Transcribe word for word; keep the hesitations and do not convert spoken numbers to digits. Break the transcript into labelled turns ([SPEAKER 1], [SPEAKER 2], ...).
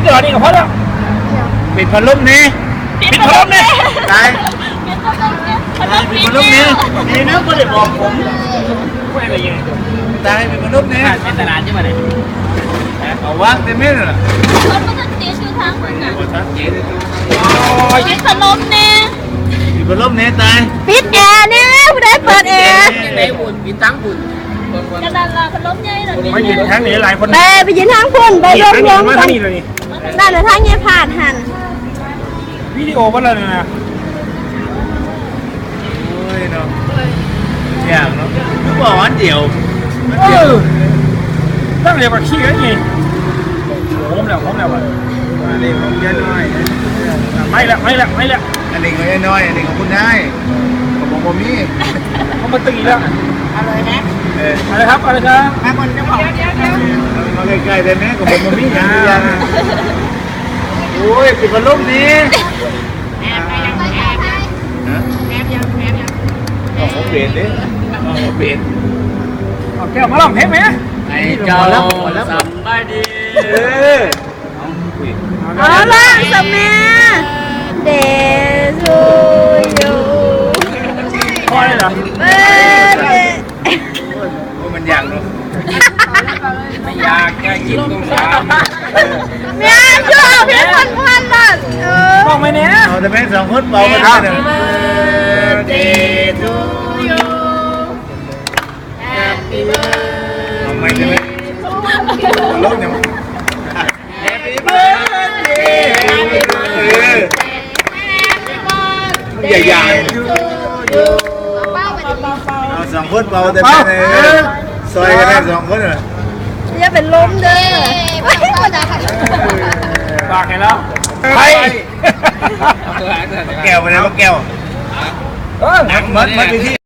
[SPEAKER 1] เดี๋ยวนี้ก็พอแล้วปิดพัดลมนี่ปิดพัดลมนี่ตายปิดพัดลมนี่นี่นะก็เลยบอกผมไม่อะไรยังตายปิดพัดลมนี่เป็นตลาดใช่ไหมเนี่ยเอาวางเต็มเม็ดเลย
[SPEAKER 2] คนมันจะตีชื่อทางคนอ่ะ
[SPEAKER 1] ปิด
[SPEAKER 2] พัดลมเนี่ย
[SPEAKER 1] ปิดพัดลมนี่ตาย
[SPEAKER 2] ปิดแอร์เนี่ยผู้ใดเปิดแอร์
[SPEAKER 3] ในบุญปิดตั้งบุญ
[SPEAKER 2] กระดานละพัดลมใหญ่เลย
[SPEAKER 1] ไม่ยืนทางนี้หลายคน
[SPEAKER 2] ไปไปยืนทางพุ่นไปรวมรวม
[SPEAKER 1] มา
[SPEAKER 2] กั
[SPEAKER 1] ทาน งนี้เลยนี่
[SPEAKER 2] ด้านทางเงี้ยผ่านหัน
[SPEAKER 1] วิดีโอว่าอะไรนะโอ้ยเนาะอย่างเนาะทุกวันเดียวเดียวตั้งเดียวกับขี้กันไงโค้งแล้วโค้งแล้วอ่ะอันนี้ของยายน้อยไม่ละไม่ละไม่ละอันนี้ของยายน้อยอันนี้ของคุณนายของผมผมมีเขามาตีแล้วอะไรนะเอออะไรครับอะไรครับมาบนจะบอกมาใกล้ๆได้ไหมของผมผมมีอย่างเดียวโอ้ยปิดพัดลมนี่แอบไปยังแอบไปแอบยังแอบยังเอาเปลี่ยนดิเอาเปลี่ยนเอาแก้วมาลองเพลงไหมไอ้เจ้าสบายดีเออ
[SPEAKER 2] เอาล่ะสมัยเดซูยู
[SPEAKER 1] พอเลยเหรอ
[SPEAKER 2] เออเด
[SPEAKER 1] มันยากเนาะไม่ยากแค่กินตุ้งสาม
[SPEAKER 2] เมียช่วยพี่คนพันบาทเออ
[SPEAKER 1] บอกไหมเนี่ยเอาแต่แม่สองคนเบากันได้เลย Birthday to you Happy birthday เอาไม่ใช่ไหมลดเนี่ย Happy birthday Happy birthday ใหญ่ๆเอาสองคนเบาแต่แม่เลยซอยกันได้สองคนเหรอ
[SPEAKER 2] อย่าเป็นลมเด้อ
[SPEAKER 1] ฝากให้แล้วไปแก้วไปเลยแก้วเออมัดมัดไปที่